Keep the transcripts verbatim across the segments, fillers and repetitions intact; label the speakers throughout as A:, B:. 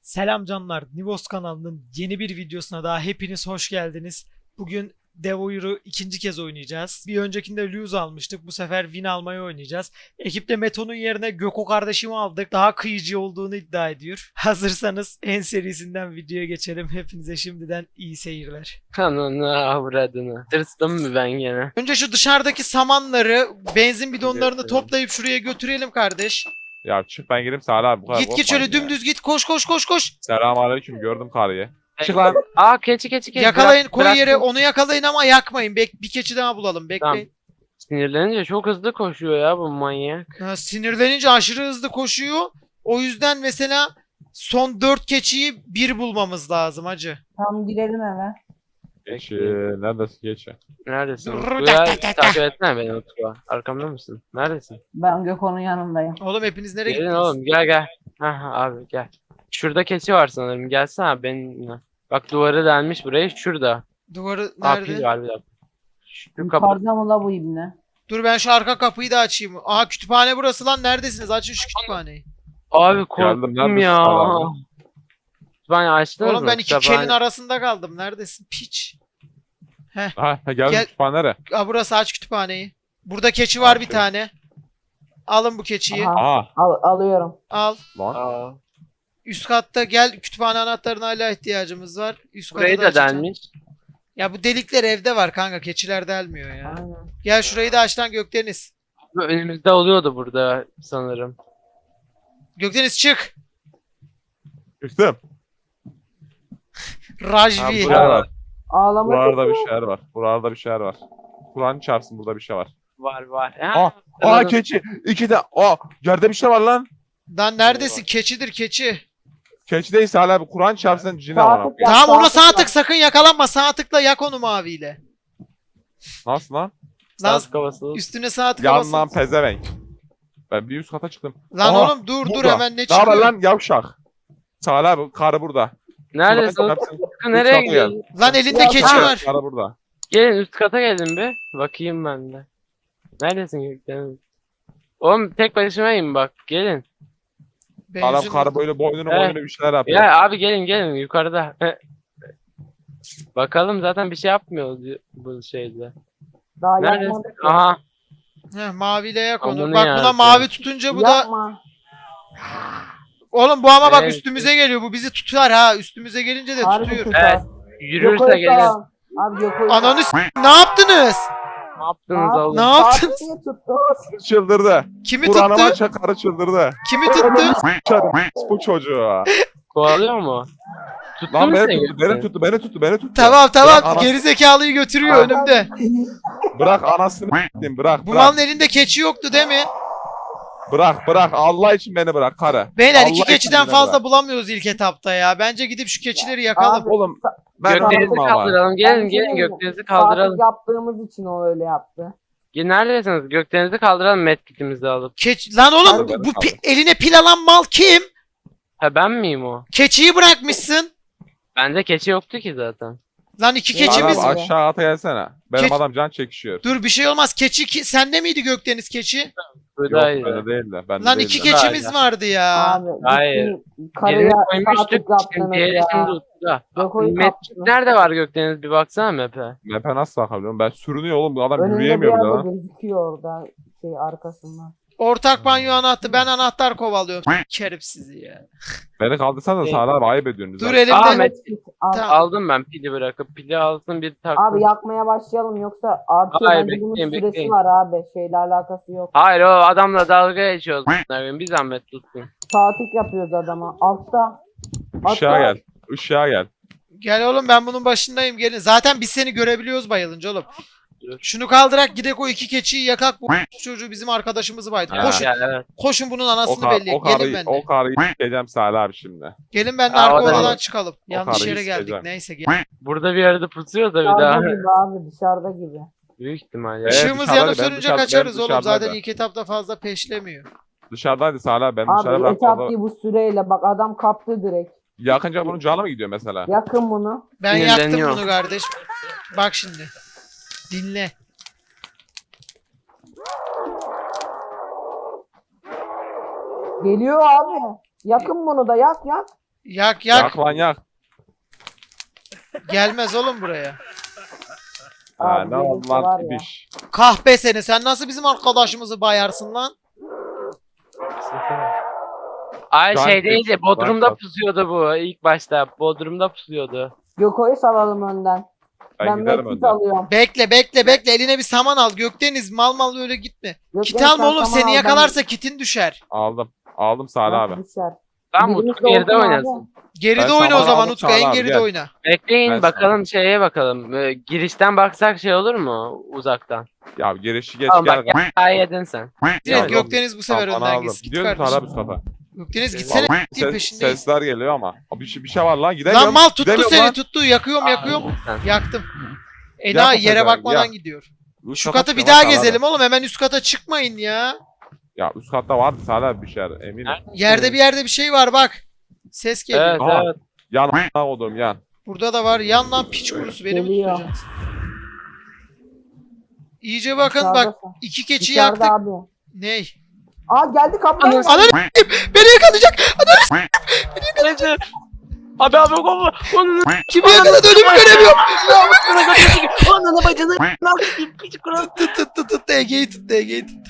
A: Selam canlar, Nivos kanalının yeni bir videosuna daha hepiniz hoş geldiniz. Bugün Devour'u ikinci kez oynayacağız. Bir öncekinde Lose almıştık, bu sefer Win almayı oynayacağız. Ekipte Meto'nun yerine Göko kardeşimi aldık, daha kıyıcı olduğunu iddia ediyor. Hazırsanız en serisinden videoya geçelim. Hepinize şimdiden iyi seyirler.
B: Kanını avradını. Tırstım mı ben gene?
A: Önce şu dışarıdaki samanları, benzin bidonlarını toplayıp şuraya götürelim kardeş.
C: Ya çık ben gireyim Salih abi bu kadar
A: Git git
C: korkmayın
A: şöyle
C: ya.
A: dümdüz git, koş koş koş koş.
C: Selamünaleyküm gördüm karıyı. Çık lan.
B: Aa keçi keçi keçi.
A: Yakalayın,
B: Bırak-
A: koy
B: bırak-
A: yere, onu yakalayın ama yakmayın. Bek bir keçi daha bulalım, bekleyin.
B: Sinirlenince çok hızlı koşuyor ya bu manyak.
A: Ha, sinirlenince aşırı hızlı koşuyor. O yüzden mesela son dört keçiyi bir bulmamız lazım hacı.
D: Tam girelim eve.
C: Geçi. Neredesin geçi?
B: Neredesin?
A: Dur,
B: Utku
A: tak,
B: ya?
A: tak, tak, tak.
B: Takip etsene beni Utku. Arkamda mısın? Neredesin?
D: Ben Gökhan'ın yanındayım.
A: Oğlum hepiniz nereye
B: Gelin
A: gittiniz?
B: oğlum gel gel. Aha abi gel. Şurada keçi var sanırım. Gelsene abi benimle. Bak duvarı delmiş buraya. Şurada.
A: Duvarı
B: Aa
A: nerede?
B: pil var bir dakika. Şu kapı.
D: Yukarıda mı la bu ibne?
A: Dur ben şu arka kapıyı da açayım. Aha kütüphane burası lan, neredesiniz? Açın şu kütüphaneyi.
B: Abi
C: Geldim,
B: korktum
C: neredesin
B: ya.
C: abi?
B: Ben açtınız
A: Oğlum
B: mı?
A: ben iki
B: Kütüphane-
A: kelin arasında kaldım. Neredesin? Piç.
C: Ha geldim
A: Gel.
C: kütüphane nere?
A: Aa burası, aç kütüphaneyi. Burada keçi var bir
C: Açıyorum.
A: tane. Alın bu keçiyi.
D: Aha,
C: Aha
D: al, alıyorum.
A: Al.
C: lan.
B: Aa.
A: Üst katta gel, kütüphane anahtarına hala ihtiyacımız var. Üst katı
B: Burayı
A: da
B: da
A: açacağım.
B: delmiş.
A: Ya bu delikler evde var kanka, keçiler delmiyor ya.
D: Aynen.
A: Gel şurayı da aç lan Gökdeniz.
B: Bu önümüzde oluyordu burada sanırım.
A: Gökdeniz çık.
C: Çıktım.
A: Rajvi.
B: Ha,
C: Bir
B: bura-
C: şeyler var.
D: Ağlama
C: Buralarda
D: sesi
C: bir
D: yok.
C: şeyler var. Buralarda bir şeyler var. Kur'an çarpsın burada bir şey var.
B: Var var.
C: Aa,
B: Ha,
C: aa
B: anladım.
C: keçi. İki de. Aa yerde bir şey var lan.
A: Lan neredesin? Keçidir keçi.
C: Keçi değil Salih abi. Kur'an çarpsın cin
D: Sağ
C: amına
D: tık
C: koyayım.
D: yap,
A: Tamam ona
D: sağ
A: sağ
D: tık
A: tık, sakın yakalanma. Sağ tıkla yak onu maviyle.
C: Nasıl lan?
A: Lan
B: Sağ kafası.
A: üstüne sağ tıkla
C: Yan
A: basın.
C: lan pezevenk. Ben bir üst kata çıktım.
A: Lan
C: Aha,
A: oğlum dur dur,
C: burada.
A: hemen ne
C: Ne haber
A: çıkıyor?
C: lan yavşak? Salih abi karı burada.
B: Neredesin?
C: Kur'an
B: Utku?
C: çarpsın.
B: Utku nereye
C: kata
B: gidiyorsun?
A: Lan elinde
D: Ya,
A: keçi
B: ha.
A: var.
C: Karı burada.
B: Gelin üst kata gelin bir. Bakayım ben de. Neredesin Gökdeniz? Oğlum tek başımayım bak. Gelin.
C: Adam
A: Benzin
C: karı böyle boynunu
B: Evet.
C: boynunu bir şeyler yapıyor.
B: Ya abi gelin gelin yukarıda. Bakalım zaten bir şey yapmıyor di- bu şeyde.
D: Daha
B: Neredesin?
D: yapmadık.
B: Aha.
A: Heh, maviyle yak onu.
B: Amına
A: Bak
B: ya,
A: buna
B: sen.
A: mavi tutunca bu da...
D: Yapma.
A: Oğlum bu ama bak
B: Evet.
A: üstümüze geliyor. Bu bizi tutar ha. Üstümüze gelince de
D: Harbi
A: tutuyor.
D: kötü
B: Evet.
D: abi.
B: Yürürse
D: Gökhan'ı
B: gelin.
D: sağ. Abi Gökhan'ı
A: Ananı s- ne yaptınız?
B: Ne yaptınız
D: Abi,
B: oğlum?
A: Ne yaptınız?
D: Saat niye tuttu?
C: Çıldırdı.
A: Kimi
C: Kur'an'a
A: tuttu?
C: maça karı çıldırdı.
A: Kimi tuttu?
C: Çarım bu çocuğu.
B: Kovalıyor mu? Tuttu
C: Lan
B: mu
C: beni
B: seni
C: tuttu, beni
B: Gökdeniz?
C: tuttu, beni tuttu, beni tuttu.
A: Tamam
C: Bırak
A: tamam.
C: anasını-
A: Gerizekalıyı götürüyor
C: Aa,
A: önümde.
C: Bırak anasını s**eyim, bırak,
A: Bu
C: bırak.
A: malın elinde keçi yoktu değil mi?
C: Bırak, bırak. Allah için beni bırak karı.
A: Beyler
C: Allah
A: iki
C: için
A: keçiden
C: beni
A: fazla
C: bırak.
A: bulamıyoruz ilk etapta ya. Bence gidip şu keçileri yakalım.
D: Abi,
C: Oğlum ben
B: Gökdeniz'i
C: aldım ama.
B: kaldıralım.
D: Ben
B: Gelin
D: bir şey
B: gelin
D: diyeyim mi?
B: Gökdeniz'i
D: Saatlik
B: kaldıralım.
D: yaptığımız için o öyle yaptı.
B: Gelin neredesiniz? Gökdeniz'i kaldıralım medkitimizi alıp.
A: Keç Lan oğlum
C: Kaldır,
A: bu, bu
C: kaldır.
A: pi- eline pil alan mal kim?
B: Ha ben miyim o?
A: Keçiyi bırakmışsın.
B: Bende keçi yoktu ki zaten.
A: Lan iki
D: Keçimiz-
A: keçimiz.
C: Abi aşağı ata gelsene. Benim
A: Keç-
C: adam can çekişiyor.
A: Dur bir şey olmaz. Keçi ki... sende miydi Gökdeniz keçi?
C: Yok
B: Buradaydı.
C: bende değil de. Bende
A: Lan
C: değil
A: iki
C: de.
A: keçimiz vardı ya.
D: Abi.
B: Hayır.
D: gittin, Karıya
B: Yerini
D: saatlik
B: koymuştuk. Şimdi
D: yaptınız
B: diğeri
D: ya.
B: şimdi Utku'da.
D: Gökhan'ı
B: Medkit
D: kaptınız.
B: nerede var Gökdeniz? Bir baksana map'e.
C: Map'e nasıl bakabiliyorum? Ben sürünüyor oğlum. Bu adam
D: Önünde bir
C: yürüyemiyor bile
D: yerde
C: lan.
D: gözüküyor orada şey arkasından.
A: Ortak banyo anahtarı. Ben anahtar kovalıyorum. Kerim sizi ya.
C: Beni kaldırsan da
B: Değil.
C: Salih abi ayıp ediyorsunuz.
A: Dur
C: lan.
A: elimde.
B: Aa, Met-
D: Abi,
A: Tamam.
B: Aldım ben pili bırakıp pili alsın bir taktım.
D: abi yakmaya başlayalım yoksa artıyor.
B: Hayır,
D: Bence bunun
B: bekleyin,
D: süresi
B: bekleyin.
D: var abi. Şeyle alakası yok.
B: Hayır o adamla dalga geçiyoruz. Bir zahmet tutsun.
D: Saatlik yapıyoruz adama. Altta.
C: Işığa gel. Işığa gel.
A: Gel oğlum ben bunun başındayım gelin. Zaten biz seni görebiliyoruz bayılınca oğlum.
B: Dur.
A: Şunu kaldırak gidek o iki keçiyi yakak, bu çocuğu bizim arkadaşımızı baydı.
B: Ha,
A: Koşun.
B: gel, evet.
A: Koşun bunun
C: O,
A: anasını
C: kar,
A: belli.
C: o
A: Gelin
C: karıyı,
A: benimle.
C: o karıyı s**eceğim Salih abi şimdi.
A: Gelin benimle
B: Aa,
A: arka
B: o da
A: odadan
B: iyi.
A: çıkalım.
C: O
A: Yanlış
C: karıyı
A: yere geldik.
C: sikeceğim.
A: Neyse gel.
B: Burada bir yerde pusuyor da bir
D: Dışarıda
B: daha.
D: gibi abi dışarıda gibi.
B: Büyük ihtimalle.
C: Evet,
A: Işığımız
C: dışarıdaydı,
A: yanıp
C: ben
A: sönünce
C: dışarı- ben
A: kaçarız oğlum. Zaten
C: dışarıdaydı.
A: ilk etapta fazla peşlemiyor.
C: Dışarıdaydı Salih abi. Ben dışarı
D: Abi
C: bıraktım.
D: etap değil bu süreyle bak adam kaptı direkt.
C: Yakınca bunun canı mı gidiyor mesela?
D: Yakın bunu.
A: Ben yaktım
B: Sinirleniyor.
A: bunu kardeş. Bak şimdi. Dinle.
D: Geliyor abi. Yakın bunu da yak yak.
A: Yak yak.
C: Yak lan yak.
A: Gelmez oğlum buraya.
C: Ha,
D: Abi
C: ne
D: gelirse
C: oldu
D: var
C: lan
D: ya.
C: ibiş.
A: Kahpe seni. Sen nasıl bizim arkadaşımızı bayarsın lan?
B: Ay
C: Dank
B: şeydeydi.
C: et,
B: Bodrum'da
C: dank et.
B: pusuyordu bu ilk başta. Bodrum'da pusuyordu.
D: Göko'yu salalım önden.
C: Ben,
D: Ben
C: giderim
D: medkit
C: önden.
D: alıyorum.
A: Bekle bekle bekle. Eline bir saman al. Gökdeniz mal mal öyle gitme.
D: Gökdeniz,
A: Kit alma
D: sen
A: oğlum.
D: saman
A: Seni
D: al,
A: yakalarsa kitin düşer.
C: Aldım. Aldım Salih
D: ben-
C: abi.
D: Nasıl düşer?
B: Tamam
D: Birimiz
B: Utku geride
D: de olsun abi.
B: oynasın.
A: Geride
C: Ben
A: oyna o
C: saman
A: zaman
C: aldım,
A: Utku. En
C: Çağla abi,
A: geride
C: gel.
A: oyna.
B: Bekleyin
C: Ben
B: bakalım şeye bakalım. Ee, girişten baksak şey olur mu uzaktan?
C: Ya girişi geç
B: Tamam
C: gel.
B: bak gel daha yedin sen.
A: Direkt
C: Ya,
A: Gökdeniz bu sefer
C: Tamam,
A: önden
C: aldım.
A: gitsin. Git
C: Gidiyoruz Salih abi
A: kardeşim.
C: üst kata.
A: Gökdeniz gitsene.
C: Vallahi
A: Gittiğin
C: ses-
A: peşindeyiz.
C: sesler geliyor ama. Abi bir şey, bir şey var lan gidemiyorum.
A: Lan mal tuttu
C: Gidemiyorum
A: seni
C: lan.
A: tuttu. Yakıyorum yakıyorum.
B: Sen.
A: Yaktım.
C: Yak
A: Ena
C: o
A: yere
C: pezevenk,
A: bakmadan
C: yak.
A: gidiyor.
C: Üst
A: Şu
C: kata
A: katı bir
C: çıkıyorum
A: daha
C: Salih abi.
A: gezelim oğlum. Hemen üst kata çıkmayın ya.
C: Ya üst katta vardı Salih abi bir şeyler eminim.
A: Yerde bir yerde bir şey var bak. Ses geliyor.
B: Evet
C: Aa.
B: evet.
C: Yan oğlum yan.
A: Burada da var. Yan lan piç kurusu beni mi
D: Geliyor.
A: tutacaksın? İyice bakın bak.
D: Dışarıda-
A: iki keçi
D: Dışarıda
A: yaktık.
D: abi.
A: Ney?
D: Aa geldi kapıdan.
B: Ananı-
A: Ananı s**eyim, beni yakalayacak.
B: Neyse. Abi abi konu. Onun
A: Kimi yakaladı önümü göremiyorum.
B: Ananı bacını.
A: Tut tut tut tut. Ege'yi tut Ege'yi tut.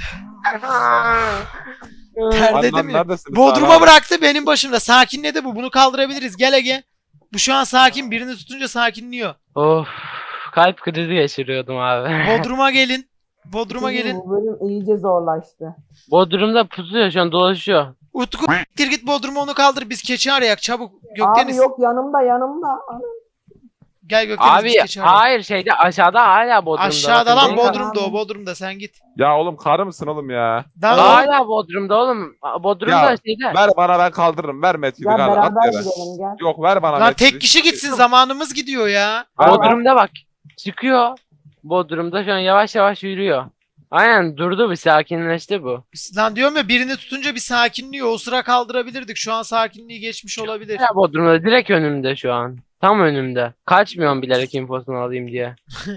A: Ter
C: Lan,
A: dedim
C: lan,
A: ya.
C: neredesiniz Salih
A: Bodrum'a
C: abi?
A: bıraktı benim başımda. Sakinledi bu. Bunu kaldırabiliriz. Gel Ege. Bu şu an sakin. Birini tutunca sakinliyor.
B: Of. Kalp krizi geçiriyordum abi.
A: Bodrum'a gelin. Bodrum'a
D: Çünkü
A: gelin.
D: Bu bölüm iyice zorlaştı.
B: Bodrum'da pusuyor şu an dolaşıyor.
A: Utku gir git Bodrum'a onu kaldır. Biz keçi arayak çabuk.
D: Abi
A: Gökdeniz.
D: yok yanımda yanımda. Ana.
A: Gel Gökdeniz
B: Abi
A: biz keçi arayak.
B: hayır şeyde aşağıda hala Bodrum'da.
A: Aşağıda
B: Bakın,
A: lan
B: değil mi?
A: Bodrum'da o Bodrum'da sen git.
C: Ya oğlum karı mısın oğlum ya?
A: Lan oğlum,
B: Hala Bodrum'da oğlum. Bodrum'da
C: Ya,
B: şeyde.
C: Ver bana ben kaldırırım. Ver Metin'i
D: Gel
C: kaldır. At
D: beraber
C: yere.
D: gidelim gel.
C: Yok ver bana
A: lan
C: Metin'i.
A: tek kişi gitsin zamanımız gidiyor ya.
C: Ver bana.
B: Bodrum'da bak. Çıkıyor. Bodrum'da şu an yavaş yavaş yürüyor. Aynen durdu bir sakinleşti bu.
A: Lan diyorum ya birini tutunca bir sakinliyor. O sıra kaldırabilirdik. Şu an sakinliği geçmiş olabilir.
B: Hala Bodrum'da direkt önümde şu an. Tam önümde. Kaçmıyorum bilerek infosunu alayım diye.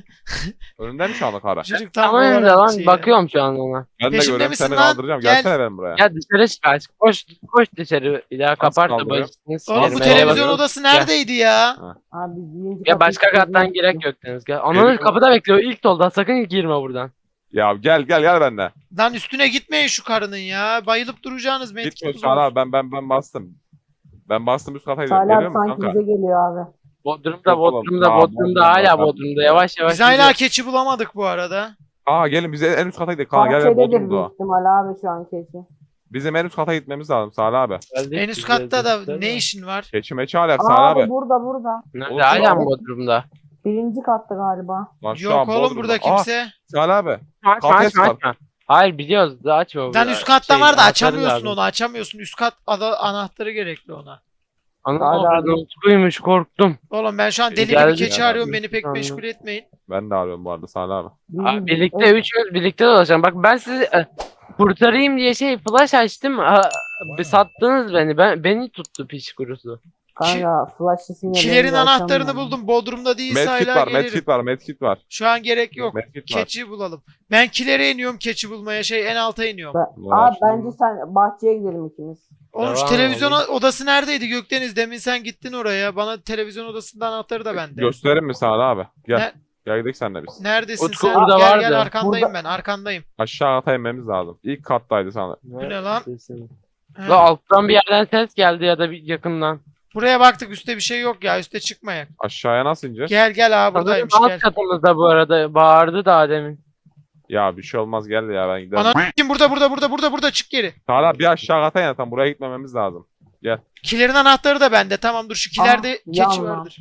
C: Önünde mi şu anda karı?
A: Çocuk
B: Tam
A: tam
B: önümde
A: olarak şey
B: lan.
A: ya.
B: Bakıyorum şu an ona.
C: Ben de
A: Peşimde
C: görüyorum
A: misin
C: seni
A: lan?
C: kaldıracağım.
A: Gel.
C: Gelsene benim buraya.
B: Ya dışarı çıkar. Koş koş dışarı. Bir daha kapat da
C: kaldırıyor?
B: başını
A: Oğlum bu
B: sikerim.
A: televizyon
B: Eyvallah.
A: odası neredeydi ya?
D: Abi birinci
B: Ya
D: kapıyı
B: başka
D: kilitledim.
B: kattan girek yok Deniz. Gel. Ananı
C: Geliyorum.
B: kapıda bekliyor. İlk dolda sakın girme buradan.
C: Ya gel gel gel benimle.
A: Lan üstüne gitmeyin şu karının ya. Bayılıp duracağınız medkit
C: Gitmiyor
A: buzu
C: Salih
A: var.
C: abi ben ben ben bastım. Ben bastım üst kata gidiyorum.
D: Salih abi
C: Geliyor musun
D: sanki
C: kanka?
D: bize geliyor abi.
B: Bodrum'da
C: Yok oğlum.
B: Bodrum'da
C: Aa,
B: Bodrum'da
C: Bodrum'da,
B: hala
C: Bodrum'da.
B: Bodrum'da. Yavaş yavaş
A: Biz hala
B: gidiyor.
A: keçi bulamadık bu arada.
C: Aa gelin bize en üst kata gidelim. Kanka gel gel
D: Bahçededir
C: Bodrum'da
D: büyük
C: o.
D: ihtimal abi şu an keçi.
C: Bizim en üst kata gitmemiz lazım Salih abi.
B: Geldik
A: En üst
B: biz
A: katta
B: de.
A: da ne işin var?
C: Keçi meçi alak
D: Aa,
C: Salih
D: abi
C: abi.
D: burada burada.
B: Nerede?
C: Oğlum,
B: Hala mı
C: oğlum.
B: Bodrum'da?
D: Birinci katta galiba.
C: Lan şu
A: Yok
C: an
A: oğlum
C: Bodrum'da.
A: burada
C: Aa,
A: kimse.
C: Salih abi.
B: Açma
C: Kafes
B: açma
C: var.
B: açma. Hayır biliyoruz da açma.
A: Lan
B: burada.
A: üst katta
B: Şey,
A: var da
B: anahtarı
A: açamıyorsun
B: lazım.
A: onu açamıyorsun. Üst kat ada- anahtarı gerekli ona.
B: Ana
D: Hadi
B: oradan
D: abi.
B: Utkuymuş korktum.
A: Oğlum ben şu an
C: E,
A: deli gibi
B: geldi
A: keçi
C: ya.
A: arıyorum. Beni pek
B: Anladım.
A: meşgul etmeyin.
C: Ben de arıyorum bu arada Salih abi.
B: Abi birlikte
D: Evet.
B: üçümüz birlikte dolaşalım. Bak ben sizi e, kurtarayım diye şey flash açtım. Ha, bir sattınız beni. Ben beni tuttu piç kurusu.
D: Kanka flash'ı sinirlerini
A: Kilerin anahtarını
D: açamıyorum.
A: buldum. Bodrum'da değilse
C: Medkit
A: hala
C: var,
A: gelirim.
C: medkit var, medkit var.
A: Şu an gerek yok.
C: Medkit var.
A: Keçi bulalım. Ben kilere iniyorum keçi bulmaya. Şey en alta iniyorum.
D: Ben-
C: Var.
D: Abi bence sen bahçeye gidelim ikimiz.
A: Oğlum şu
B: Devam
A: televizyon
B: edelim.
A: odası neredeydi Gökdeniz? Demin sen gittin oraya. Bana televizyon odasının anahtarı da bende.
C: Gösterir mi Salih abi? Gel.
A: Ne-
C: Gel gidelim senle biz.
A: Neredesin
B: Utku
A: sen?
B: burada
A: Gel
B: vardı.
A: gel arkandayım
D: Burada-
A: ben arkandayım.
C: Aşağı kata inmemiz lazım. İlk kattaydı sana.
A: Bu ne lan? He.
B: La alttan bir yerden ses geldi ya da bir yakından.
A: Buraya baktık üstte bir şey yok ya. Üste çıkmayak.
C: Aşağıya nasıl ineceğiz?
A: Gel gel abi
B: Sanırım
A: buradaymış
B: alt
A: gel.
B: katımızda bu arada bağırdı daha demin.
C: Ya bir şey olmaz gel ya ben giderim.
A: Ana kim burada burada burada burada burada çık geri.
C: Salih abi bir aşağı kata in tam buraya gitmememiz lazım.
A: Kilerin anahtarı da bende. Tamam dur şu kilerde
D: Aha,
A: keçi
D: yanma.
A: vardır.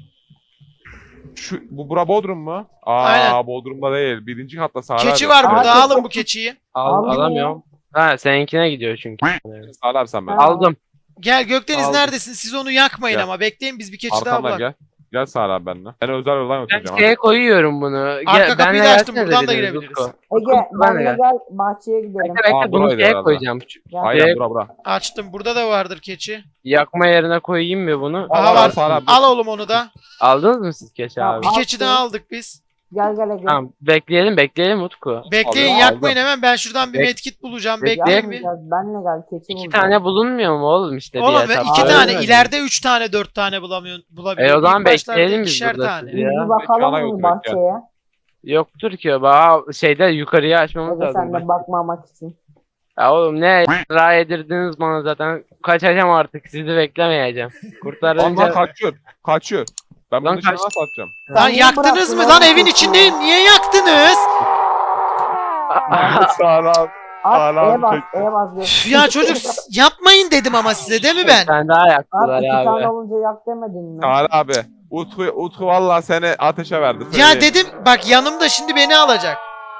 C: Şu bu bura Bodrum mu? Aa
A: Aynen.
C: Bodrum'da değil. Birinci katta Salih
A: Keçi
C: abi.
A: var
D: Abi,
A: burada
D: keçi-
A: alın bu keçiyi.
B: Al,
D: Aldım
B: alamıyorum. Ha seninkine gidiyor çünkü.
C: Salih abi sen ben.
D: Ha.
B: Aldım.
A: Gel Gökdeniz
B: Aldım.
A: neredesin? Siz onu yakmayın
C: Gel.
A: ama bekleyin biz bir keçi daha
C: Arkamdan
A: bulalım.
C: gel. Gel Salih abi benimle. Ben özel yoldan
B: Ben
C: götüreceğim.
B: şeye koyuyorum bunu.
A: Arka kapıyı da
B: benle
A: açtım,
B: gelsene
A: buradan da
B: biriniz,
A: girebiliriz.
B: Utku.
D: Ege
B: ben de
D: benle
B: gel.
D: gel bahçeye gidelim.
B: Bekle bekle
C: Aa,
B: bunu
C: buraydı
B: şeye
C: herhalde.
B: koyacağım.
D: Gel.
C: Aynen
B: Şeye-
C: bura bura.
A: Açtım. Burada da vardır keçi.
B: Yakma yerine koyayım mı bunu?
A: Aha
C: Al,
A: var.
C: Salih abi.
A: Al oğlum onu da.
B: Aldınız mı siz keçi abi?
A: Bir
D: Al.
A: keçi daha aldık biz.
D: Gel gel gel.
B: Tamam bekleyelim bekleyelim Utku.
A: Bekleyin
C: Aldım,
A: yakmayın hemen ben şuradan bir
B: Bek-
A: medkit bulacağım.
B: Bek-
A: Bekleyin bir.
D: Gel, benle gel keçi
B: İki
D: bulacağım.
B: tane bulunmuyor mu oğlum işte bir
A: Oğlum ve
B: etapta?
A: iki
D: Öyle
A: tane
B: mi?
A: ileride üç tane dört tane bulamıyorsun bulabiliyor.
B: E o zaman
A: İlk başlarda
B: bekleyelim biz
A: ikişer
B: burada
A: tane.
B: sizi
D: Biz
B: ya.
D: bir bakalım
C: Ana
D: mı
C: götürek
D: bahçeye?
B: Yoktur ki o. Aa, şeyde yukarıya açmamız
D: Hadi sen
B: lazım.
D: de bakmamak için.
B: Ya oğlum ne ra yedirdiniz bana zaten. Kaçacağım artık sizi beklemeyeceğim.
C: Lan lan
B: Kurtarınca...
C: kaçıyor. Kaçıyor. Ben
B: Lan
C: bunu dışarı
B: kaç-
C: nasıl atacağım?
D: Sen
A: Lan
D: niye
A: yaktınız
D: bıraktın
A: mı
D: oğlum
A: lan evin
D: keçiyi?
A: içindeyim niye yaktınız?
C: Sağlam.
D: At
C: Sağlam
D: E'ye bas
C: çek.
D: E'ye bas. gel.
A: Üf ya çocuk s- yapmayın dedim ama size değil mi
B: Bir
A: ben?
B: tane daha
D: At
B: yaktılar
D: iki tane
B: abi.
D: olunca yak demedin mi?
C: Kaan abi. Utku, Utku valla seni ateşe verdi.
A: Ya
C: söyleyeyim.
A: dedim bak yanımda şimdi beni alacak.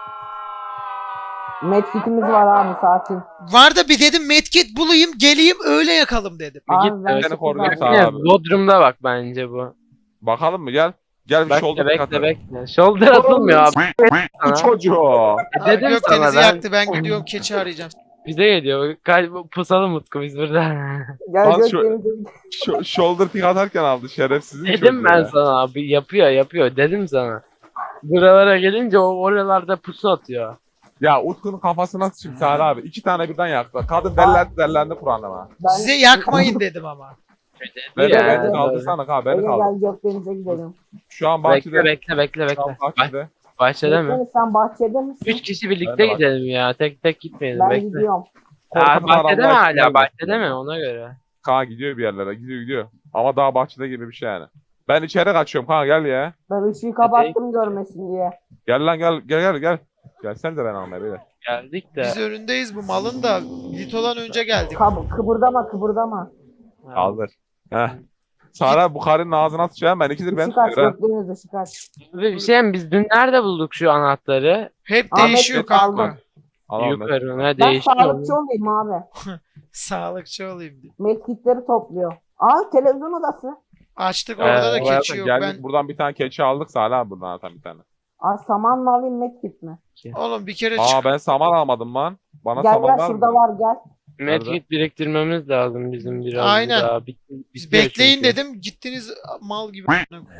D: Medkitimiz var abi sakin.
A: Var da bir dedim medkit bulayım geleyim öyle yakalım dedim.
B: Bir git
D: Abi ben
B: de-
C: Seni
D: çok
C: koruyayım
D: güzel-
C: sağ
B: Yine
C: abi.
B: Bodrum'da bak bence bu.
C: Bakalım mı gel. Gel bir
B: Bekle
C: shoulder
B: bekle
C: katı.
B: bekle. Shoulder atılmıyor abi.
C: Bu
B: Sana.
C: çocuğu.
A: Aa,
B: Dedim
A: Gökdeniz'i
B: sana ben.
A: yaktı ben gidiyorum keçi arayacağım.
B: Bize geliyor. Kal- Pusalım Utku biz burada.
D: Gel
C: Lan
D: gök
C: şu-
D: denize
C: Ş- shoulder pick atarken aldı şerefsizin
B: Dedim
C: çocuğu
B: ben
C: ya.
B: sana abi yapıyor yapıyor dedim sana. Buralara gelince o oralarda pusu atıyor.
C: Ya Utku'nun kafasına sıçayım Sahra abi. İki tane birden yaktı. Kadın dellendi dellendi Kur'an'ıma.
D: Ben-
A: Size yakmayın dedim ama.
C: Beni,
B: Ya,
C: beni
B: doğru.
C: kaldırsana ha beni
D: Ege
C: kaldır.
D: gel gök denize gidelim.
C: Şu an
B: Bekle
C: bahçede.
B: bekle bekle
C: Şu an
B: bekle. Bah-
C: bahçede.
B: bahçede mi?
D: Bekle, sen bahçede misin?
B: Üç kişi birlikte
C: Ben de bak-
B: gidelim ya. Tek tek gitmeyelim
D: Ben
B: bekle.
D: gidiyorum.
B: Ya,
C: Korkutun
B: bahçede mi
C: adamlar
B: hala?
C: gelmesin.
B: Bahçede mi? Ona göre.
C: Kaan gidiyor bir yerlere gidiyor gidiyor. Ama daha bahçede gibi bir şey yani. Ben içeri kaçıyorum Kaan gel ya.
D: Ben ışığı kapattım görmesin diye.
C: Gel lan gel gel gel gel. Gelsene de ben almaya beyler.
B: Geldik de.
A: Biz önündeyiz bu malın da Lito'dan önce geldik.
D: Kab- kıpırdama kıpırdama.
B: Ha.
C: Kaldır. Heh. Sara bu karının ağzına sıçacağım ben ikidir ben
D: Işık aç
C: tutuyorum.
D: gök denize ışık aç.
B: Abi bir şey mi? Biz dün nerede bulduk şu anahtarı?
A: Hep
D: Ahmet
A: değişiyor
D: Bey,
A: kanka.
D: aldım.
C: Al Ahmet.
B: Yukarı ne
D: Ben
B: değişiyor?
D: sağlıkçı olayım abi.
A: Sağlıkçı olayım diye.
D: Medkitleri topluyor. Aa televizyon odası.
A: Açtık
B: Ee,
A: orada da
C: Bu hayata
A: keçi yok.
C: geldik
A: Ben
C: buradan bir tane keçi aldık Sara abi buradan atan bir tane.
D: Aa saman mı alayım medkit mi?
A: oğlum bir kere
C: Aa
A: çık.
C: ben saman almadım lan. Bana
D: Gel
C: saman
D: gel
C: var
D: şurada
C: mı?
D: var gel.
B: Medkit biriktirmemiz lazım bizim biraz
A: Aynen.
B: daha. Bit-
A: Biz
B: bitiyor
A: bekleyin
B: çünkü.
A: dedim gittiniz mal gibi.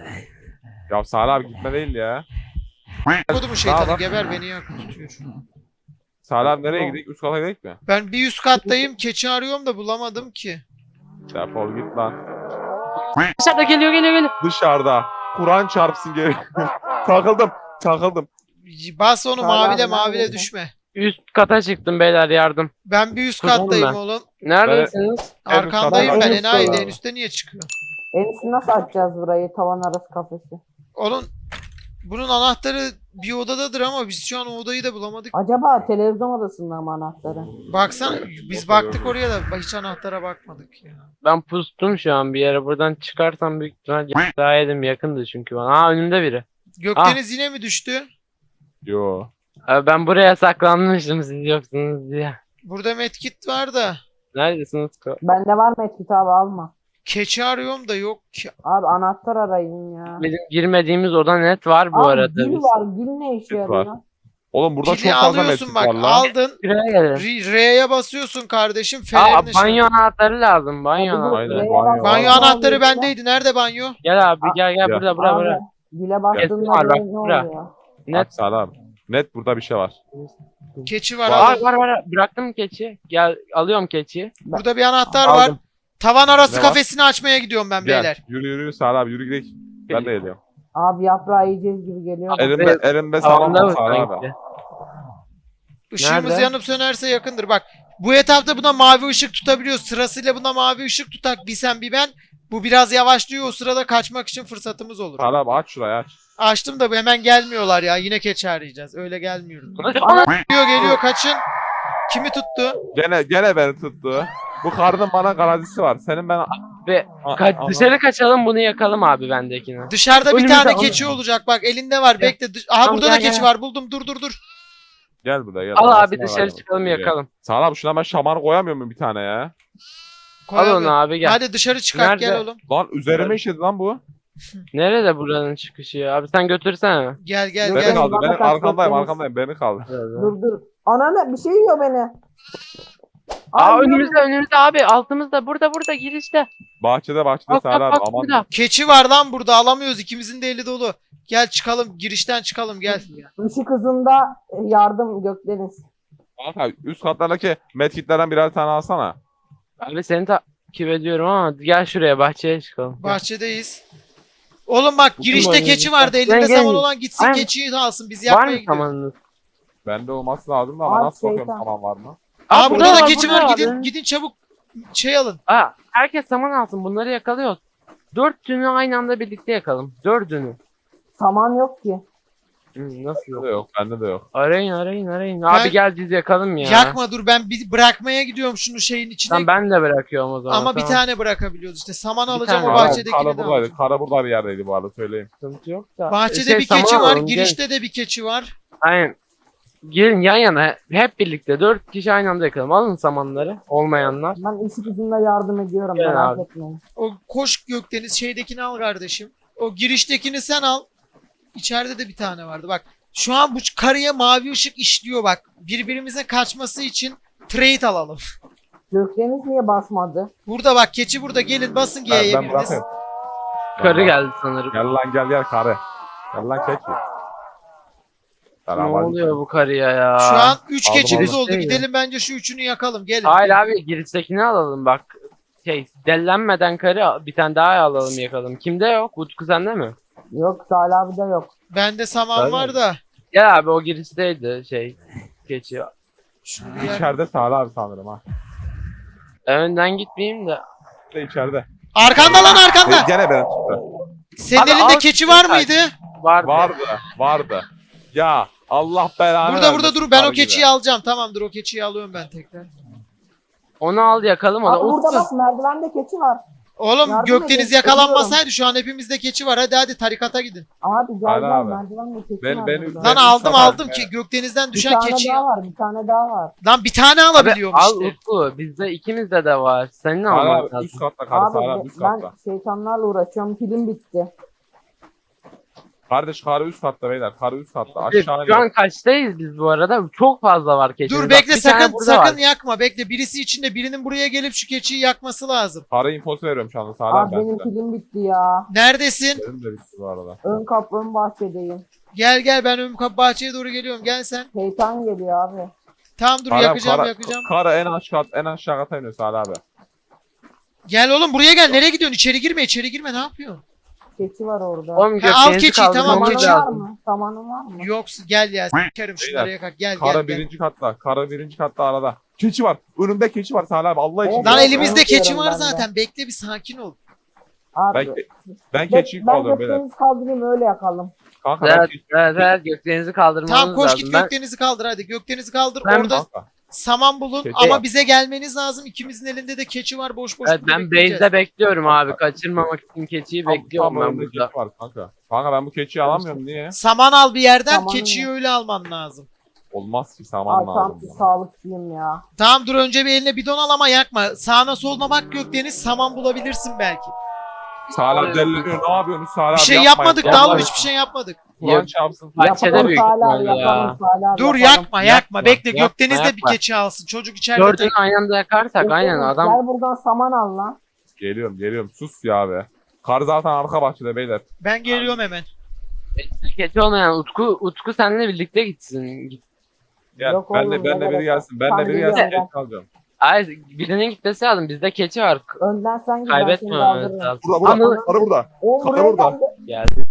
C: Ya Sara abi gitme değil ya.
A: Kodu mu şeytanı
C: Daha bak.
A: geber beni yak tutuyor.
C: Sara abi nereye gidelim? Üst kata gidelim mi?
A: Ben bir üst kattayım keçi arıyorum da bulamadım ki.
C: Defol git lan.
B: Dışarıda geliyor geliyor geliyor.
C: Dışarıda. Kur'an çarpsın geri. Takıldım. Takıldım.
A: Bas onu
D: Hala
A: mavile
D: abi,
A: mavile
D: nerede?
A: düşme.
B: Üst kata çıktım beyler yardım.
A: Ben bir üst
B: Kuzum
A: kattayım
B: ben.
A: oğlum.
B: Neredesiniz?
A: Arkandayım
C: katta-
A: ben
D: en üst
A: enayi
D: katta.
A: en üstte niye çıkıyor?
D: En üstü nasıl açacağız burayı? Tavan arası kafesi.
A: Onun bunun anahtarı bir odadadır ama biz şu an o odayı da bulamadık.
D: Acaba televizyon odasında mı anahtarı?
A: Baksana biz baktık oraya da hiç anahtara bakmadık ya.
B: Ben pustum şu an bir yere. Buradan çıkarsam büyük ihtimal daha yedim yakındı çünkü bana. Aa önümde biri.
A: Gökdeniz yine mi düştü?
C: Yo.
B: Abi ben buraya saklanmıştım siz yoksunuz diye.
A: Burada medkit var da.
B: Neredesiniz? ko-
D: Bende var medkit abi alma.
A: Keçi arıyorum da yok ki.
D: Abi anahtar arayın ya.
B: Bizim girmediğimiz oda net var bu
D: Abi
B: arada
D: gül
B: biz.
D: var. Gül ne işe
C: Gül
D: yarıyor?
C: var. Oğlum burada
A: Pili
C: çok fazla
A: alıyorsun
C: metin
A: bak
C: var lan.
A: aldın.
B: Şuraya gelin.
A: R- R'ye basıyorsun kardeşim.
B: Aa
A: Fenerini şey-
B: banyo anahtarı lazım. Banyo
D: Abi dur,
B: anahtarı.
C: Aynen,
D: R'ye
C: banyo.
D: bas.
A: Banyo
D: Abi,
A: anahtarı
D: abi,
A: bendeydi. Nerede banyo?
B: Gel abi gel gel
C: Ya.
B: burada bura
D: Abi,
B: bura.
D: güle bastığında
B: var, bak,
D: böyle ne
B: bura.
D: oluyor?
B: Net.
C: Bak Sara abi. Net burada bir şey var.
A: Keçi var.
B: Var
A: alın.
B: var var. Bıraktım keçi. Gel alıyorum keçi.
A: Burada bir anahtar var.
B: Aldım.
A: Tavan arası
C: Ne var?
A: kafesini açmaya gidiyorum ben
C: Gel.
A: beyler.
C: Yürü yürü Sara abi yürü gidelim. Ben de geliyorum.
D: Abi yaprağı yiyeceğiz gibi geliyor. da.
C: Elimde, elimde saman
B: Tavanda
C: var
B: mı
C: Sara abi.
B: sanki?
A: Işığımız
B: Nerede?
A: yanıp sönerse yakındır. Bak bu etapta buna mavi ışık tutabiliyoruz. Sırasıyla buna mavi ışık tutak. Bir sen bir ben. Bu biraz yavaşlıyor. O sırada kaçmak için fırsatımız olur.
C: Sara abi aç şurayı aç.
A: Açtım da hemen gelmiyorlar ya. Yine keçi arayacağız. Öyle gelmiyoruz.
B: Ana-
A: Geliyor geliyor kaçın. Kimi tuttu?
C: Gene gene beni tuttu. Bu karının bana garantisi var. Senin ben...
B: Be,
C: A-
B: Ka-
C: ama-
B: dışarı kaçalım bunu yakalım abi bendekini.
A: Dışarıda bir
B: Önümüzde
A: tane
B: alın.
A: keçi olacak. Bak elinde var.
B: Gel.
A: Bekle. Dış- Aha
B: Tamam,
A: burada da
B: gel,
A: keçi
B: gel.
A: var. Buldum. Dur dur dur.
C: Gel burada gel.
B: Al abi
C: Arasına
B: dışarı
C: var.
B: çıkalım yakalım.
C: Sara abi şuna ben şamanı koyamıyor muyum bir tane ya?
B: Al
A: Koyalım.
B: onu abi gel.
A: Hadi dışarı çıkart
B: Nerede?
A: gel oğlum.
C: Lan üzerime işledi lan bu.
B: Nerede buranın çıkışı ya? Abi sen götürsene.
A: Gel gel
C: Beni
A: gel.
C: kaldı.
D: bana
C: Beni
D: kaç
C: arkamdayım
D: bakıyorsun?
C: arkamdayım. Beni kaldı.
D: Dur dur. Ananı bir şey yiyor beni.
B: Aa
D: Ay,
B: önümüzde önümüzde abi altımızda burada burada girişte.
C: Bahçede bahçede
B: Bak
C: Sara
B: bak
C: abi
B: bak
C: aman.
B: burada.
A: Keçi var lan burada. Alamıyoruz. İkimizin de eli dolu. Gel çıkalım. Girişten çıkalım gel.
D: Işık hızında e, yardım Gökdeniz.
C: Kanka üst katlardaki medkitlerden birer tane alsana.
B: Abi seni takip ediyorum ama gel şuraya bahçeye çıkalım. Gel.
A: Bahçedeyiz. Oğlum bak girişte
B: oyunu.
A: keçi vardı.
B: Gel,
A: Elinde
B: gel.
A: saman olan gitsin
B: Aynen.
A: keçiyi de alsın. Biz
B: Var
A: yakmaya
B: mı
A: gidiyoruz.
B: samanınız?
C: Bende olması lazım da ama
D: Abi,
C: nasıl bakıyorum
D: şeytan.
C: tamam var mı?
A: Aa,
B: Aa,
A: burada,
B: burada
A: da
B: var,
A: keçi
B: burada
A: var.
B: var.
A: Gidin gidin çabuk şey alın.
B: Aa, herkes saman alsın, bunları yakalıyoruz. Dördünü aynı anda birlikte yakalım. Dördünü.
D: Saman yok ki.
B: Hı, nasıl
C: Bende
B: yok?
C: de yok. Bende de yok.
B: Arayın arayın arayın.
A: Ben-
B: Abi gel biz yakalım ya.
A: Yakma dur ben bir bırakmaya gidiyorum şunu şeyin içine.
B: Tamam ben de bırakıyorum o zaman.
A: Ama bir
B: tamam.
A: tane bırakabiliyoruz işte. Saman
B: Bir
A: alacağım
B: tane
A: o
B: var.
A: bahçedekini
C: Kara
A: de
C: buradaydı.
A: alacağım.
C: Kara burada bir yerdeydi bu arada söyleyeyim.
B: Sıkıntı yok da.
A: Bahçede
B: Şey,
A: bir
B: saman
A: keçi var.
B: alalım, gelin.
A: Girişte de bir keçi var.
B: Aynen. Gelin yan yana hep birlikte dört kişi aynı anda yakalım. Alın samanları olmayanlar.
D: Ben ışık hızında yardım ediyorum.
B: Gel
D: Merak
B: abi.
D: etmeyin.
A: O koş Gökdeniz şeydekini al kardeşim. O giriştekini sen al. İçeride de bir tane vardı bak. Şu an bu karıya mavi ışık işliyor bak. Birbirimizin kaçması için trade alalım.
D: Gökdeniz niye basmadı?
A: Burada bak keçi burada gelin basın
C: Ben,
A: G'ye
C: ben
A: biriniz.
C: bırakayım.
B: Karı geldi sanırım.
C: Gel lan gel gel karı. Gel lan keçi.
B: Ne
C: Selam
B: oluyor bu karıya ya?
A: Şu an üç
C: Aldım,
A: keçimiz
B: aldım.
A: oldu. Gidelim bence şu üçünü yakalım. Gelin.
B: Hayır abi giriştekini alalım bak. Şey dellenmeden karı bir tane daha alalım yakalım. Kimde yok? Utku sende mi?
D: Yok Salih abi de yok.
A: Bende saman
C: Ben-
A: var da.
B: Gel abi o girişteydi şey. Geçiyor.
A: Şunu bir yak-
C: İçeride Salih abi sanırım ha.
B: Önden gitmeyeyim de.
C: İşte içeride.
A: Arkanda lan
C: E,
A: arkanda.
C: gene benim çıktı.
A: Senin
B: Abi,
A: elinde
B: al-
A: keçi var
B: al-
A: mıydı?
B: Vardı.
C: Vardı. Vardı. Ya Allah belanı
A: Burada burada
C: vermesin
A: dur. Ben o
C: karı gibi.
A: keçiyi alacağım. Tamamdır o keçiyi alıyorum ben tekrar.
B: Onu al yakalım onu.
D: Aa, burada
B: Utku.
D: bak merdivende keçi var.
A: Oğlum
D: Yardım
A: Gökdeniz
D: edin,
A: yakalanmasaydı şu an hepimizde keçi var. Hadi hadi tarikata gidin.
D: Abi gel
C: Hadi
D: gel
C: abi.
D: merdivende keçi
C: Ben-
D: var.
C: ben-
D: burada.
A: Lan
C: Benim
A: aldım
C: sabah-
A: aldım ki Gökdeniz'den
D: bir
A: düşen
D: tane
A: keçiyi.
D: daha var. Bir tane daha var.
A: Lan bir tane
B: Abi,
A: alabiliyorum
B: al
A: işte.
B: Utku. Bizde ikimizde de var. Senin
C: Salih
B: alman
C: abi
B: lazım.
C: üst katta karı
D: Abi
C: Salih abi
D: be-
C: üst
D: ben
C: katta.
D: şeytanlarla uğraşıyorum. Pilim bitti.
C: Kardeş karı üst katta beyler. Karı üst katta.
B: Abi,
C: Aşağıya
B: Şu an
C: gel.
B: kaçtayız biz bu arada? Çok fazla var keçi.
A: Dur
B: Bak,
A: bekle
B: bir tane
A: sakın
B: burada
A: sakın
B: var.
A: yakma bekle. Birisi içinde birinin buraya gelip şu keçiyi yakması lazım.
C: Karı infosu veriyorum şu anda Salih
D: Abi
C: abi ben
D: benim
C: size.
D: pilim bitti ya.
A: Neredesin?
C: Benim de bitti bu arada.
D: Ön kapı ön bahçedeyim.
A: Gel gel ben ön kapı bahçeye doğru geliyorum. Gel sen.
D: Şeytan geliyor abi.
A: Tamam dur
C: Salih abi,
A: yakacağım
C: kara-
A: yakacağım.
C: Karı en aşağı en aşağı kata iniyor Salih abi.
A: Gel oğlum buraya gel. Nereye gidiyorsun? İçeri girme içeri girme. Ne yapıyorsun?
D: Keçi var orada.
B: Oğlum
A: Ha, al
B: gökdenizi
A: keçiyi, tamam,
B: kaldırmamız
A: keçi.
D: Samanın var
B: lazım.
D: mı? Samanın var mı?
A: Yoksa gel ya. Sikerim şunları
C: Beyler,
A: yakak. Gel
C: Karı
A: gel gel.
C: birinci katta. Karı birinci katta arada. Keçi var. Önümde keçi var Salih abi. Allah için.
D: Evet,
A: Lan
D: evet,
A: elimizde
D: evet,
A: keçi
D: diyorum
A: var
D: ben de.
A: zaten. Bekle bir sakin ol.
D: Abi.
C: Ben, ben
D: Ben,
C: keçiyi
D: ben
C: kaldırıyorum beyler.
D: Gökdeniz kaldırayım öyle yakalım.
C: Kanka ben
B: Evet,
C: keçi-
B: evet, evet gökdenizi kaldırmamız
A: Tamam koş
B: lazım.
A: git
B: Ben-
A: Gökdeniz'i kaldır hadi. Gökdeniz'i kaldır.
B: Ben-
A: Orada
C: Kanka.
A: saman bulun
C: Keçi
A: ama
C: var.
A: bize gelmeniz lazım. İkimizin elinde de keçi var. Boş boş
B: Evet,
A: burada
B: ben
A: bekleyeceğiz.
B: base'de bekliyorum abi. Kaçırmamak için keçiyi
C: Tam-
B: bekliyorum
C: tam
B: ben
C: önümde
B: burada.
C: keçi var kanka. Kanka ben bu keçiyi alamıyorum niye?
A: Saman al bir yerden.
D: Samanı
A: Keçiyi
D: mı?
A: öyle alman lazım.
C: Olmaz ki saman
D: Abi tam
C: lazım.
D: bir
C: bana.
D: sağlıkçıyım ya.
A: Tamam dur önce bir eline bidon al ama yakma. Sağına soluna bak Gökdeniz. Saman bulabilirsin belki.
C: Salih abi delleniyor. Ne yapıyorsunuz Salih abi?
A: Bir şey
C: Yapmayın.
A: yapmadık
C: Vallahi
A: daha oğlum hiçbir şey yapmadık.
C: Kur'an çarpsın.
B: Bahçede
D: Yapalım
B: büyük
D: Salih abi,
B: ihtimalle
D: yapalım
B: ya.
D: Salih abi,
A: Dur
D: yapalım.
A: yakma yakma.
B: Yapma,
A: Bekle
B: yapma,
A: Gökdeniz de bir
B: yapma.
A: keçi alsın. Çocuk içeride
B: Dördünü
A: tek.
B: aynı anda yakarsak aynen
D: Gökdeniz,
B: adam.
D: Gel buradan saman al lan.
C: Geliyorum geliyorum. Sus ya abi. Kar zaten arka bahçede beyler.
A: Ben geliyorum hemen.
B: Keçi olmayan Utku, Utku seninle birlikte gitsin. Git.
C: Gel.
D: Yok
C: Ben de
D: oğlum,
C: ben
D: ne
C: de biri
D: gerek
C: gelsin. Ben
D: Tamam,
C: de biri
D: geliyorum
C: gelsin.
D: ben.
C: Geç kalacağım.
B: Ay birinin gitmesi lazım. Bizde keçi var.
D: Önden sen git ben seni
B: Kaybetmememiz
D: kaldırırım.
B: lazım.
C: Burada burada.
B: Anıl-
C: Karı burada.
D: Oğlum
C: Kapı
D: buraya
C: burada.
D: geldi.
B: Geldi.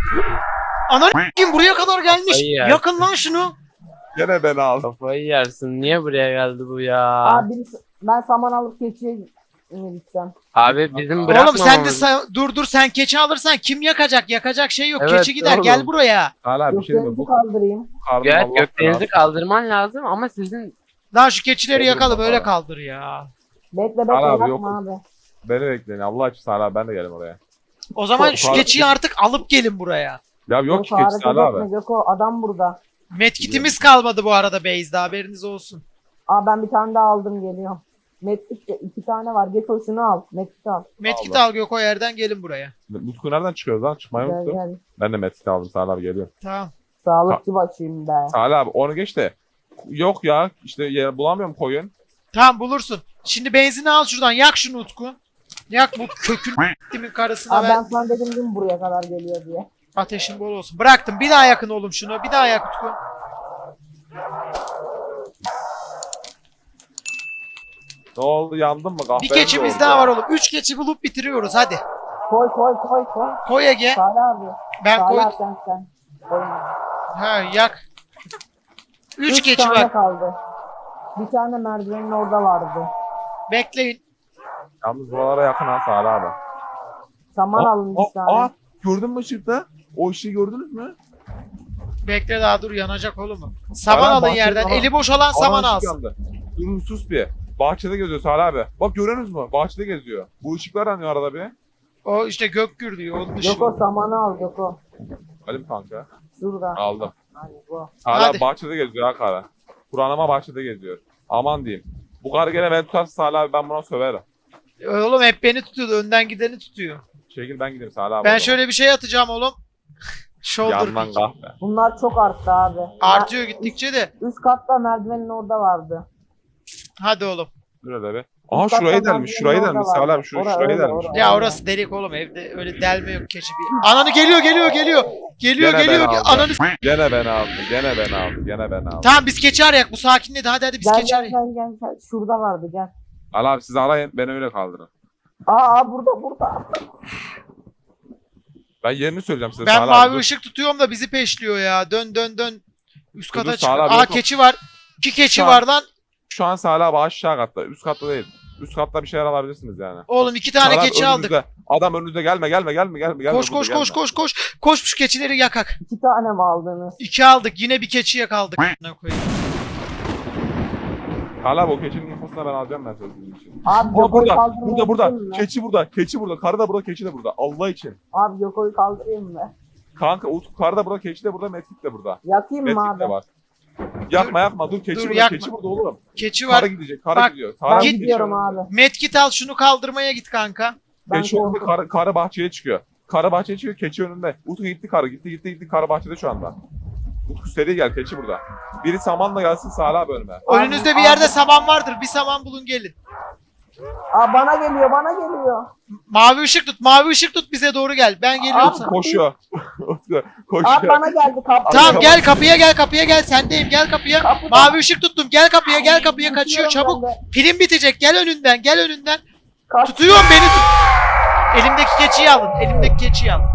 A: Ana kim buraya kadar gelmiş.
B: Kafayı yer.
A: Yakın lan şunu.
C: Gene beni al.
B: Kafayı yersin. Niye buraya geldi bu ya?
D: Abi birisi- ben saman alıp keçiye mi gitsem?
B: Abi bizim
A: Oğlum
B: bırakmamamız.
A: sen de sa- dur dur sen keçi alırsan kim yakacak? Yakacak şey yok.
B: Evet,
A: keçi gider
B: oğlum.
A: gel buraya.
C: Hala bir şey mi?
D: Gökdenizi
C: Bu
D: kaldırayım.
C: karnım
B: Evet
C: Allah
B: gökdenizi
C: belanı.
B: kaldırman lazım ama sizin
A: Lan şu keçileri
C: Olur
A: yakalım
C: baba.
A: öyle kaldır ya.
D: Bekle bekle
C: Salih abi,
D: yapma
C: yok.
D: abi.
C: Beni bekleyin. Allah için Salih abi ben de geleyim oraya.
A: O zaman
C: Ko-
A: şu
C: kar-
A: keçiyi artık alıp gelin buraya.
C: Ya yok ki
D: hareket
C: keçi Salih
D: etme
C: abi.
D: Göko, adam burada.
A: Medkitimiz kalmadı bu arada base'de haberiniz olsun.
D: Aa ben bir tane daha aldım geliyorum. Medkit de iki tane var. Göko şunu al. Medkit al.
A: Medkit
C: Allah.
A: al Göko yerden gelin buraya.
C: Mutku nereden çıkıyoruz lan? Çıkmayı
D: Gel
C: unuttum.
D: gel.
C: Ben de metkit aldım Salih abi geliyorum.
A: Tamam.
D: Sağlıkçı başıyım be.
C: Salih abi onu geç de. Yok ya işte yer bulamıyorum koyun.
A: Tamam bulursun. Şimdi benzini al şuradan yak şunu Utku. Yak bu kökün kimin karısına
D: Abi
A: ver.
D: ben sana dedim değil mi buraya kadar geliyor diye.
A: Ateşin bol olsun. Bıraktım. Bir daha yakın oğlum şunu. Bir daha yak Utku.
C: Ne oldu, yandın mı?
A: Bir
C: Kahverengi
A: keçimiz
C: oldu
A: daha
C: ya.
A: var oğlum. Üç keçi bulup bitiriyoruz hadi.
D: Koy koy koy koy.
A: Koy Ege.
D: Salih abi.
A: Ben
D: Salih
A: koy.
D: abi sen sen. Koyma.
A: Ha yak. Üç,
D: Üç
A: keçi
D: tane
A: var.
D: kaldı. Bir tane merdivenin orada vardı.
A: Bekleyin.
C: Yalnız buralara yakın ha Salih abi.
D: Saman
C: Aa,
D: alın bir
C: aa,
D: tane.
C: aa, gördün mü ışıkta? O ışığı gördünüz mü?
A: Bekle daha dur yanacak oğlum. Saman
C: Hala
A: alın
C: bahçede
A: yerden.
C: ama-
A: Eli boş olan
C: Ana
A: saman
C: ışık
A: alsın.
C: yandı. Dur sus bir. Bahçede geziyor Salih abi. Bak görüyorsunuz mu? Bahçede geziyor. Bu ışıklar yanıyor arada bir.
A: O işte gök gür diyor. Onun dışı.
D: Joko samanı al Joko.
C: Halim kanka.
D: Şurada.
C: Aldım.
D: Hani bu.
C: Hala
A: Hadi.
C: bahçede geziyor ha kara. Kur'an'ıma bahçede geziyor. Aman diyeyim. Bu karı gene beni tutarsa Salih abi ben buna söverim.
A: Oğlum hep beni tutuyordu. Önden gideni tutuyor.
C: Çekil ben gideyim Salih abi.
A: Ben
C: o zaman.
A: şöyle bir şey atacağım oğlum. Shoulder
C: Yandan
A: pick.
C: kahve.
D: Bunlar çok arttı abi.
A: Artıyor gittikçe de.
D: Üst katta merdivenin orada vardı.
A: Hadi oğlum.
C: Dur be. Aha
D: Üst
C: şurayı
D: kattan
C: delmiş. Şurayı
D: merdivenin
C: delmiş
D: orada
C: Salih
D: vardı.
C: abi. Şur
D: Ora,
C: şurayı
D: öyle,
C: delmiş.
D: ora.
A: Ya orası delik oğlum. Evde öyle delme yok keçi bir. Ananı geliyor geliyor geliyor. Geliyor
C: Gene
A: geliyor.
C: beni aldı.
A: Ananı s-
C: Gene beni aldı. Gene beni aldı. Gene beni aldı.
A: Tamam biz keçi arayak. Bu sakinledi. Hadi hadi biz
D: Gel
A: keçi
D: gel
A: arayak.
D: gel gel gel. Şurada vardı gel.
C: Al abi siz arayın. Beni öyle kaldırın.
D: Aa, aa burada burada.
C: Ben yerini söyleyeceğim size
A: Ben
C: Salih
A: mavi
C: abi. Dur.
A: ışık tutuyorum da bizi peşliyor ya. Dön dön dön. Üst
C: Dur,
A: kata
C: dur,
A: çık.
C: Sağ ol abi,
A: Aa
C: yok, yok.
A: keçi var. İki keçi
C: Şu an-
A: var lan.
C: Şu an Salih abi aşağı katta. Üst katta değil. Üst katta bir şeyler alabilirsiniz yani.
A: Oğlum iki tane
C: Salih abi
A: keçi aldık.
C: önünüzde. Adam önünüzde gelme gelme gelme gelme. gelme
A: Koş
C: burada,
A: koş
C: gelme.
A: koş koş koş. Koş şu keçileri yakak.
D: İki tane mi aldınız?
A: İki aldık. Yine bir keçi yakaldık. Ne koyayım.
C: Salih abi o keçinin infosunu ben alacağım ben sözünün için.
D: Abi
C: Aa,
D: Joko'yu
C: burada
D: kaldırmayı
C: burada burada.
D: mi?
C: Keçi burada. Keçi burada. Karı da burada. Keçi de burada. Allah için.
D: Abi Joko'yu kaldırayım mı?
C: Kanka Utku karı da burada. Keçi de burada. Metrik de burada.
D: Yakayım mı
C: Metrik
D: abi?
C: de var. Yakma yakma. Dur keçi
A: Dur,
C: burada.
A: yakma.
C: Keçi burada oğlum.
A: Keçi
C: Karı
A: var.
C: gidecek. Karı
A: Bak,
C: gidiyor.
D: Ben
C: Karı
A: Git.
D: gidiyorum abi.
A: Medkit al şunu kaldırmaya git kanka.
D: Ben
C: Keçi önünde
D: korkuyorum.
C: karı, karı bahçeye çıkıyor. Karı bahçeye çıkıyor. Keçi önünde. Utku gitti karı. Gitti gitti gitti. Karı bahçede şu anda. Utku seri gel. Keçi burada. Biri samanla gelsin Salih abi önüme.
A: Önünüzde bir
D: abi.
A: yerde saman vardır. Bir saman bulun gelin.
D: Aa, bana geliyor bana geliyor.
A: Mavi ışık tut. Mavi ışık tut bize doğru gel. Ben geliyorum
D: Abi,
A: sana.
C: Koşuyor. Utku
D: Abi
C: koşuyor.
D: bana geldi kaptı.
A: Tamam
C: Abi,
A: gel kapıya gel kapıya gel. Sendeyim gel kapıya.
D: Kapıda.
A: Mavi ışık tuttum. Gel kapıya gel kapıya kaçıyor
D: Tutuyorum
A: çabuk.
D: ben de.
A: Pilin bitecek. Gel önünden gel önünden.
D: Kaç-
A: Tutuyorum beni tut. Elimdeki keçiyi alın. Elimdeki keçiyi alın.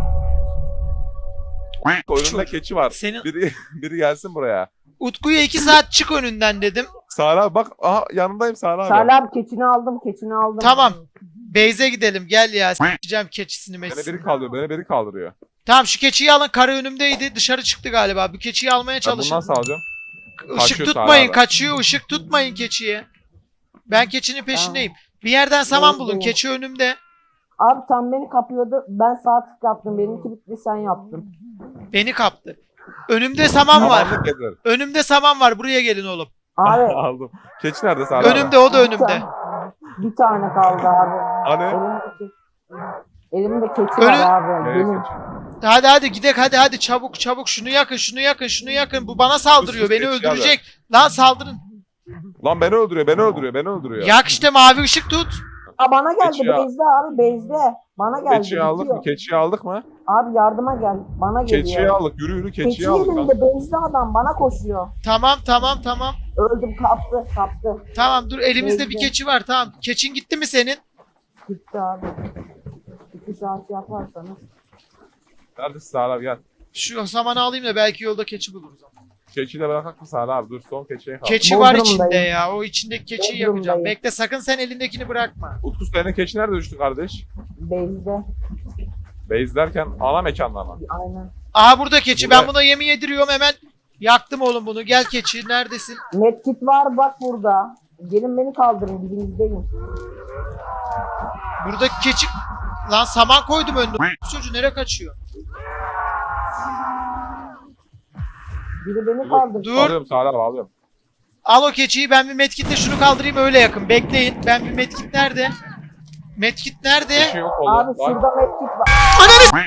C: Önünde keçi var.
A: Senin-
C: Biri, biri gelsin buraya.
A: Utku'ya iki saat çık önünden dedim.
C: Salih abi bak. Aha yanındayım Salih abi.
D: Salih abi keçini aldım keçini aldım.
A: Tamam. Beyze gidelim gel ya. S**eceğim keçisini
C: Beni
A: meçsini.
C: biri kaldırıyor. Beni biri kaldırıyor.
A: Tamam şu keçiyi alın. Karı önümdeydi. Dışarı çıktı galiba. Bu keçiyi almaya
C: Ben
A: çalışın.
C: bundan sağlayacağım.
A: Işık
C: Kaçıyor
A: tutmayın.
C: Sara abi.
A: Kaçıyor. Işık tutmayın keçiye. Ben keçinin peşindeyim. Bir yerden saman
D: Doğru,
A: bulun.
D: doğru.
A: Keçi önümde.
D: Abi tam beni kapıyordu. Ben sağ tık yaptım. Benimki bitti sen yaptın.
A: Beni kaptı. Önümde saman var.
C: Samanlık getir.
A: Önümde saman var. Buraya gelin oğlum.
D: Abi
C: Aldım. Keçi nerede Salih abi?
A: Önümde o da
D: bir
A: önümde.
D: tane, bir tane kaldı abi.
C: Hani?
D: Elimde, elimde keçi
A: Önü-
D: var abi.
C: Nereye
D: Benim.
C: keçi?
A: Hadi hadi gidek hadi hadi çabuk çabuk şunu yakın şunu yakın şunu yakın. Bu bana saldırıyor.
C: Sus,
A: Beni
C: sus,
A: öldürecek. Lan saldırın.
C: Lan beni öldürüyor, beni öldürüyor, beni öldürüyor.
A: Yak işte mavi ışık tut.
D: Aa, bana geldi
C: Keçi ya.
D: Beyzde abi Beyzde. Bana geldi.
C: Keçiyi aldık
D: bitiyor.
C: mı? Keçiyi aldık mı?
D: Abi yardıma gel. Bana geliyor.
C: Keçiyi aldık. Yürü yürü
D: Keçi
C: keçiyi aldık. lan.
D: yerinde Beyzde adam bana koşuyor.
A: Tamam tamam tamam.
D: Öldüm kaptı kaptı.
A: Tamam dur elimizde bir
D: Neyse.
A: keçi var tamam. Keçin gitti mi senin?
D: Gitti abi. İki saat yaparsanız.
C: Neredesin Salih abi gel.
A: Şu samanı alayım da belki yolda keçi buluruz.
C: Keçiyi de bırakak mı Salih abi? Dur son keçiye kaldı.
A: Keçi var
D: Bodrum'dayım.
A: içinde ya. O içindeki keçiyi
D: Bodrum'dayım.
C: şey
A: yakacağım. Bekle sakın sen elindekini bırakma.
C: Utku senin keçi nerede düştü kardeş?
D: Beyzde.
C: Base derken ana mekanda mı?
D: Aynen.
A: Aa burada keçi.
C: Burada-
A: Ben buna yemi yediriyorum hemen. Yaktım oğlum bunu. Gel keçi. Neredesin?
D: Medkit var bak burada. Gelin beni kaldırın dibinizdeyim.
A: Buradaki keçi... Lan saman koydum önüne. Bu çocuğu nereye kaçıyor?
D: Biri beni kaldırsın.
A: Dur.
C: Alıyorum Salih abi alıyorum.
A: Al o keçiyi. Ben bir medkitle şunu kaldırayım öyle yakın. Bekleyin. Ben bir medkit nerede? Medkit nerede?
C: Keçi yok oldu.
D: Abi
C: Bak,
D: şurada medkit var.
A: Ananı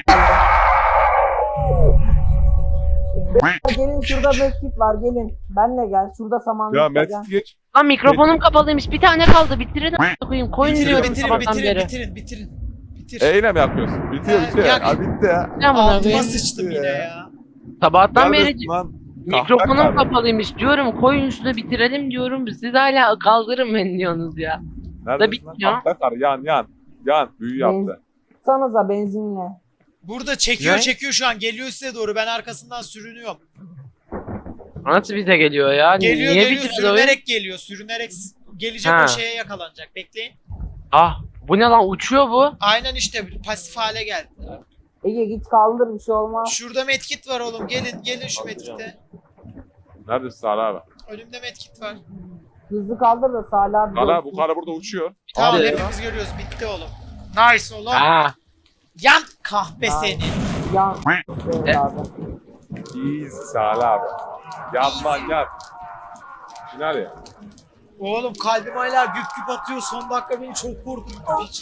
D: Gelin şurada medkit var gelin. Benle gel. Şurada samanlıkta
C: Ya
D: gel.
C: Mesut geç.
B: Lan mikrofonum kapalıyım. Bir tane kaldı. Bitirin a**ına koyayım. Koyun
A: Bitirin
B: diyorum
A: bitirin
B: sabahtan
A: bitirin
B: beri.
A: bitirin bitirin. bitir.
C: E yine mi yapıyorsun? Bitiyor
A: Ha,
C: bitiyor.
A: yak.
C: Abi bitti ya.
B: Ne amına
A: Altıma
B: koyayım?
A: sıçtım yine ya.
B: Sabahtan beri
C: Neredesin lan?
B: mikrofonum
C: Kahpe karı.
B: kapalıymış diyorum. Koyun şunu bitirelim diyorum. Siz hala kaldırın beni diyorsunuz ya.
C: Neredesin lan?
B: bitmiyor.
C: Kahpe karı yan yan. Yan. Büyü yaptı.
D: Sanıza benzinle.
A: Burada çekiyor
B: Ne?
A: çekiyor şu an. Geliyor size doğru. Ben arkasından sürünüyorum.
B: Nasıl bize geliyor ya?
A: Geliyor
B: Niye
A: geliyor
B: bitiriyor oyun?
A: sürünerek geliyor. Sürünerek s- gelecek
B: Ha.
A: o şeye yakalanacak. Bekleyin.
B: Ah bu ne lan uçuyor bu.
A: Aynen işte pasif hale geldi.
D: Ege git kaldır bir şey olmaz.
A: Şurada medkit var oğlum. Gelin gelin şu medkite.
C: Neredesin Salih abi?
A: Önümde medkit var.
D: Hızlı kaldır da Salih abi.
C: Salih abi
D: görsün.
C: bu karı burada uçuyor.
A: Tamam
B: Abi.
A: hepimiz görüyoruz. Bitti oğlum. Nice oğlum.
B: Ha.
A: Yan kahpe
D: Ay.
A: seni.
D: Yan. Evet
B: E-
D: abi.
C: Easy Salih abi. Yan lan yan. Final ya.
A: Oğlum kalbim hala güp güp atıyor. Son dakika beni çok korkuttu. Hiç.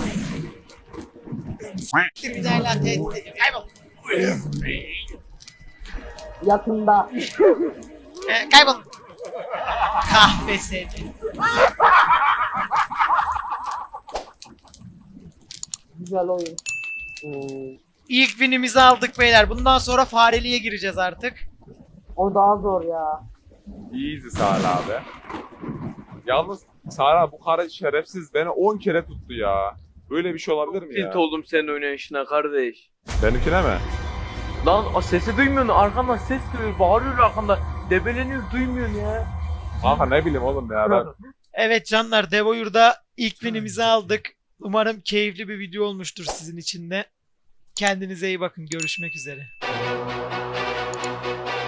A: S**tir bir daha hala tehdit ediyor. Kaybol.
D: Yakında.
A: Ee, kaybol. Kahpe seni.
D: Güzel oyun.
B: Hmm.
A: İlk winimizi aldık beyler. Bundan sonra fareliğe gireceğiz artık.
D: O daha zor ya.
C: Easy Salih abi. Yalnız Salih abi bu karı şerefsiz beni on kere tuttu ya. Böyle bir şey olabilir mi ya?
E: Tilt oldum senin oynayışına kardeş.
C: Benimkine mi?
E: Lan o sesi duymuyorsun, arkandan ses geliyor, bağırıyor arkanda. Debeleniyor, duymuyorsun ya.
C: Kanka ne bileyim oğlum ya ben.
A: Evet canlar, Devoyur'da ilk winimizi aldık. Umarım keyifli bir video olmuştur sizin için de. Kendinize iyi bakın. Görüşmek üzere.